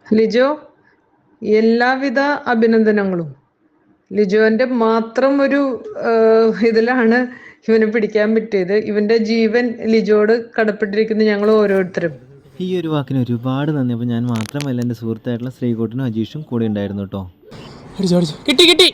ലിജോ, എല്ലാവിധ അഭിനന്ദനങ്ങളും. ലിജോന്റെ മാത്രം ഒരു ഇതിലാണ് ഇവനെ പിടിക്കാൻ പറ്റിയത്. ഇവന്റെ ജീവൻ ലിജോട് കടപ്പെട്ടിരിക്കുന്നു ഞങ്ങൾ ഓരോരുത്തരും. ഈ ഒരു വാക്കിന് ഒരുപാട് നന്ദി. അപ്പോൾ ഞാൻ മാത്രമല്ല, എൻ്റെ സുഹൃത്തായിട്ടുള്ള ശ്രീകോട്ടനും അജീഷും കൂടെ ഉണ്ടായിരുന്നു കേട്ടോ. കിട്ടി കിട്ടി.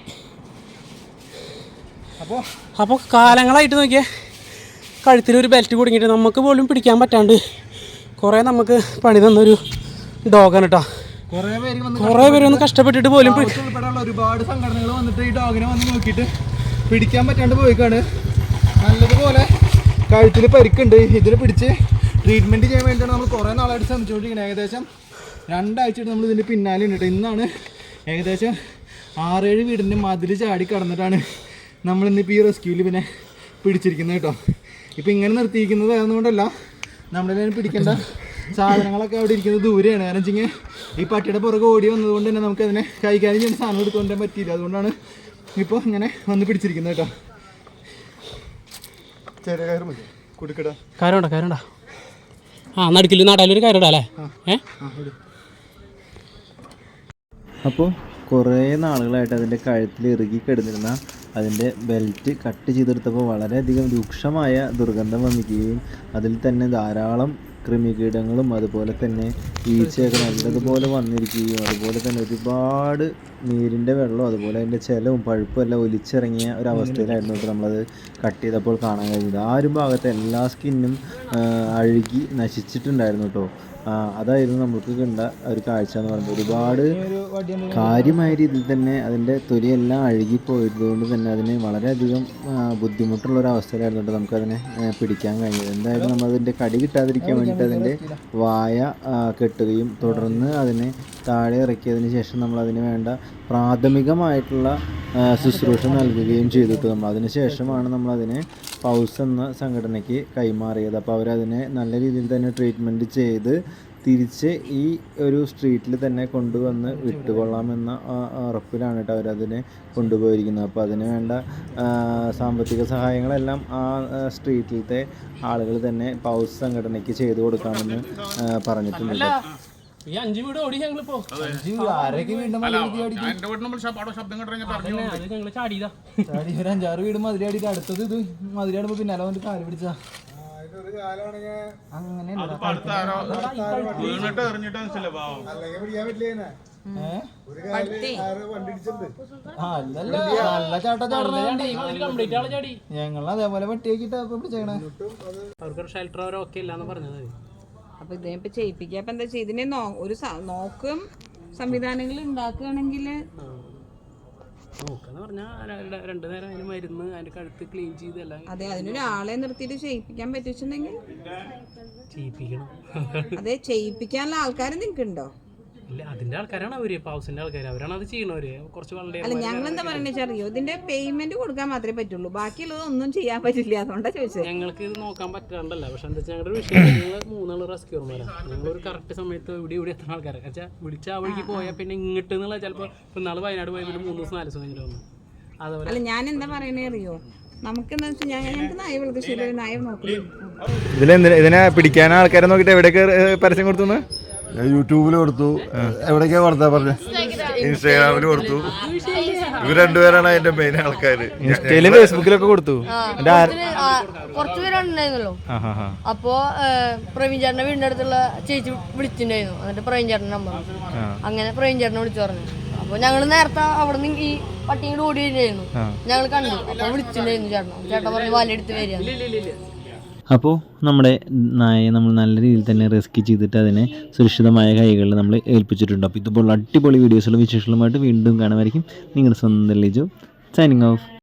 അപ്പോൾ കാലങ്ങളായിട്ട് നോക്കിയേ കഴുത്തിലൊരു ബെൽറ്റ് കുടുങ്ങിയിട്ട് നമുക്ക് പോലും പിടിക്കാൻ പറ്റാണ്ട് കുറേ നമുക്ക് പണി തന്നൊരു ഡോഗാണ് കേട്ടോ. കുറേ പേര് ഒന്ന് കഷ്ടപ്പെട്ടിട്ട് പോലും ഒരുപാട് സംഘടനകൾ വന്നിട്ട് ഈ ഡോഗിനെ വന്ന് നോക്കിയിട്ട് പിടിക്കാൻ പറ്റാണ്ട് പോയിക്കാണ്. നല്ലതുപോലെ കഴുത്തിൽ പരിക്കുണ്ട്. ഇതിനെ പിടിച്ച് ട്രീറ്റ്മെൻറ്റ് ചെയ്യാൻ വേണ്ടിയാണ് നമ്മൾ കുറേ നാളായിട്ട് ശ്രമിച്ചുകൊണ്ടിരിക്കുന്നത്. ഏകദേശം 2 ആഴ്ചയായിട്ട് നമ്മൾ ഇതിൻ്റെ പിന്നാലെ ഉണ്ട്. ഇന്നാണ് ഏകദേശം 6-7 വീടിൻ്റെ മതിൽ ചാടി കടന്നിട്ടാണ് നമ്മളിന്നിപ്പോൾ ഈ റെസ്ക്യൂവിൽ പിന്നെ പിടിച്ചിരിക്കുന്നത് കേട്ടോ. ഇപ്പോൾ ഇങ്ങനെ നിർത്തിയിരിക്കുന്നത് അതുകൊണ്ടല്ല, നമ്മളെ പിടിക്കേണ്ട സാധനങ്ങളൊക്കെ അവിടെ ഇരിക്കുന്നത് ദൂരെയാണ്. കാരണം വെച്ചെങ്കിൽ ഈ പട്ടിയുടെ പുറകെ ഓടി വന്നതുകൊണ്ട് തന്നെ നമുക്കതിനെ കൈകാര്യം ചെയ്യുന്ന സാധനം എടുത്തുകൊണ്ടേ പറ്റിയില്ല. അതുകൊണ്ടാണ് ഇപ്പോൾ ഇങ്ങനെ വന്ന് പിടിച്ചിരിക്കുന്നത് കേട്ടോ. ചെറിയ കയറ് മതി, കുടുക്കട കാര്യമുണ്ടോ ആ നടുക്കിൽ നാടാലൊരു കാര്യമുണ്ടോ അല്ലേ? അപ്പോൾ കുറേ നാളുകളായിട്ട് അതിൻ്റെ കഴുത്തിൽ ഇറുകി കിടന്നിരുന്ന അതിൻ്റെ ബെൽറ്റ് കട്ട് ചെയ്തെടുത്തപ്പോൾ വളരെയധികം രൂക്ഷമായ ദുർഗന്ധം വന്നിക്കുകയും അതിൽ തന്നെ ധാരാളം കൃമികീടങ്ങളും അതുപോലെ തന്നെ ഈച്ചയൊക്കെ നല്ലതുപോലെ വന്നിരിക്കുകയും അതുപോലെ തന്നെ ഒരുപാട് നീരിൻ്റെ വെള്ളവും അതുപോലെ അതിൻ്റെ ചെലവും പഴുപ്പും എല്ലാം ഒലിച്ചിറങ്ങിയ ഒരവസ്ഥയിലായിരുന്നു കേട്ടോ നമ്മളത് കട്ട് ചെയ്തപ്പോൾ കാണാൻ കഴിഞ്ഞത്. ആ ഒരു ഭാഗത്തെ എല്ലാ സ്കിന്നും അഴുകി നശിച്ചിട്ടുണ്ടായിരുന്നു കേട്ടോ. അതായിരുന്നു നമുക്ക് കണ്ട ഒരു കാഴ്ച എന്ന് പറയുന്നത്. ഒരുപാട് കാര്യമായ രീതിയിൽ തന്നെ അതിൻ്റെ തൊലിയെല്ലാം അഴുകിപ്പോയതുകൊണ്ട് തന്നെ അതിന് വളരെയധികം ബുദ്ധിമുട്ടുള്ളൊരവസ്ഥയിലായിരുന്നു നമുക്കതിനെ പിടിക്കാൻ കഴിഞ്ഞത്. എന്തായാലും നമ്മളതിൻ്റെ കടി കിട്ടാതിരിക്കാൻ വേണ്ടിയിട്ട് അതിൻ്റെ വായ കെട്ടുകയും തുടർന്ന് അതിനെ താഴെ ഇറക്കിയതിന് ശേഷം നമ്മളതിന് വേണ്ട പ്രാഥമികമായിട്ടുള്ള ശുശ്രൂഷ നൽകുകയും ചെയ്തിട്ട് അതിന് ശേഷമാണ് നമ്മളതിനെ പൗസ് എന്ന സംഘടനയ്ക്ക് കൈമാറിയത്. അപ്പോൾ അവരതിനെ നല്ല രീതിയിൽ തന്നെ ട്രീറ്റ്മെൻറ്റ് ചെയ്ത് തിരിച്ച് ഈ ഒരു സ്ട്രീറ്റിൽ തന്നെ കൊണ്ടുവന്ന് വിട്ടുകൊള്ളാമെന്ന ഉറപ്പിലാണ് കേട്ടോ അവരതിനെ കൊണ്ടുപോയിരിക്കുന്നത്. അപ്പോൾ അതിന് വേണ്ട സാമ്പത്തിക സഹായങ്ങളെല്ലാം ആ സ്ട്രീറ്റിലത്തെ ആളുകൾ തന്നെ പൗസ് സംഘടനയ്ക്ക് ചെയ്തു കൊടുക്കാമെന്ന് പറഞ്ഞിട്ടുണ്ട്. ഈ 5 വീട് ഓടി ഞങ്ങളിപ്പോ ചാടിയതാ. 5-6 വീട് മതിലടിയിട്ട് അടുത്തത് ഇത് മതിലടുമ്പോ പിന്നാലെ വന്നിട്ട് കാല് പിടിച്ചാ അങ്ങനെ ഞങ്ങൾ അതേപോലെ പട്ടിയാക്കിട്ട് പിടിച്ചേക്കണേ. അവർക്ക് ഷെൽട്ടർ ഒക്കെ ഇല്ലാന്ന് പറഞ്ഞത്. അപ്പൊ ഇതിനിപ്പോ ചെയ്യിപ്പിക്കുക. അപ്പൊ എന്താ വെച്ചാൽ ഇതിനെ ഒരു നോക്കും സംവിധാനങ്ങൾ ഉണ്ടാക്കുകയാണെങ്കിൽ നോക്കാന്ന് പറഞ്ഞാൽ 2 നേരം അതിന് മരുന്ന് അതിന്റെ കഴുത്ത് ക്ലീൻ ചെയ്തെല്ലാം. അതെ, അതിനൊരാളെ നിർത്തിയിട്ട് ചെയ്യിപ്പിക്കാൻ പറ്റിച്ചിട്ടുണ്ടെങ്കിൽ ചെയ്യിപ്പിക്കണം. അതെ, ചെയ്യിപ്പിക്കാനുള്ള ആൾക്കാർ നിങ്ങൾക്ക് ഉണ്ടോ? ഇല്ല, അതിന്റെ ആൾക്കാരാണ് അവര്, പൗസിന്റെ ആൾക്കാർ, അവരാണ് അത് ചെയ്യണവര്. കുറച്ച് വളരെ അല്ല, ഞങ്ങൾ എന്താ പറയുന്നത് അറിയോ, ഇതിന്റെ പേയ്മെന്റ് കൊടുക്കാൻ മാത്രമേ പറ്റുള്ളൂ, ബാക്കിയുള്ളത് ഒന്നും ചെയ്യാൻ പറ്റില്ല. അതുകൊണ്ടാ ചോദിച്ചത്. ഞങ്ങൾക്ക് ഇത് നോക്കാൻ പറ്റാണ്ടല്ല. പക്ഷെ എന്താ വെച്ചാൽ ഞങ്ങളുടെ വിഷയം, ഞങ്ങൾ 3 റെസ്ക്യൂർമാരാണ്. ഞങ്ങളൊരു കറക്റ്റ് സമയത്ത് ഇവിടെ എത്തുന്ന ആൾക്കാരെ വെച്ചാൽ വിളിച്ച ആ വഴിക്ക് പോയാൽ പിന്നെ ഇങ്ങോട്ട് എന്നുള്ള ചിലപ്പോൾ ഇപ്പം നാളെ വയനാട് പോയാൽ പിന്നെ 3 ദിവസം 4 ദിവസം കഴിഞ്ഞിട്ട് വന്നു. അതുപോലെ അല്ല, ഞാൻ എന്താ പറയണേ അറിയോ, നമുക്കെന്താ വെച്ചാൽ ഞങ്ങൾക്ക് നായ വളർത്തുശീല നായ നോക്കുന്നു. ഇതിനെ പിടിക്കാൻ ആൾക്കാരെ നോക്കിയിട്ട് എവിടെയൊക്കെ പരസ്യം കൊടുത്തു? യൂട്യൂബിൽ കൊടുത്തു. എവിടേക്കാ കൊടുത്താ പറഞ്ഞ? ഇൻസ്റ്റാഗ്രാമിൽ കൊടുത്തു. ഇവർ 2 പേരാണ് അതിന്റെ മെയിൻ ആൾക്കാര്. ഇൻസ്റ്റയിലും ഫേസ്ബുക്കിലൊക്കെ കൊടുത്തു. കുറച്ചു പേരുണ്ടായിരുന്നല്ലോ. അപ്പോ പ്രവീൺ ചേട്ടന്റെ വീടിന്റെ അടുത്തുള്ള ചേച്ചി വിളിച്ചിട്ടുണ്ടായിരുന്നു. എന്നിട്ട് പ്രവീൺ ചേട്ടന്റെ നമ്പർ, അങ്ങനെ പ്രവീൺ ചേട്ടനെ വിളിച്ചു പറഞ്ഞു. അപ്പൊ ഞങ്ങള് നേരത്തെ അവിടെ നിന്ന് ഈ പട്ടിയോട് ഓടി വരുന്നായിരുന്നു. ഞങ്ങൾ കണ്ടു. അപ്പൊ വിളിച്ചിട്ടുണ്ടായിരുന്നു ചേട്ടൻ പറഞ്ഞു വാലെടുത്ത് വരിക. അപ്പോൾ നമ്മുടെ നായയെ നമ്മൾ നല്ല രീതിയിൽ തന്നെ റെസ്ക്യൂ ചെയ്തിട്ട് അതിനെ സുരക്ഷിതമായ കൈകളിൽ നമ്മൾ ഏൽപ്പിച്ചിട്ടുണ്ട്. അപ്പോൾ ഇതുപോലുള്ള അടിപൊളി വീഡിയോസുകളും വിശേഷങ്ങളുമായിട്ട് വീണ്ടും കാണുമായിരിക്കും. നിങ്ങളുടെ സ്വന്തം ലിജോ സൈനിങ് ഓഫ്.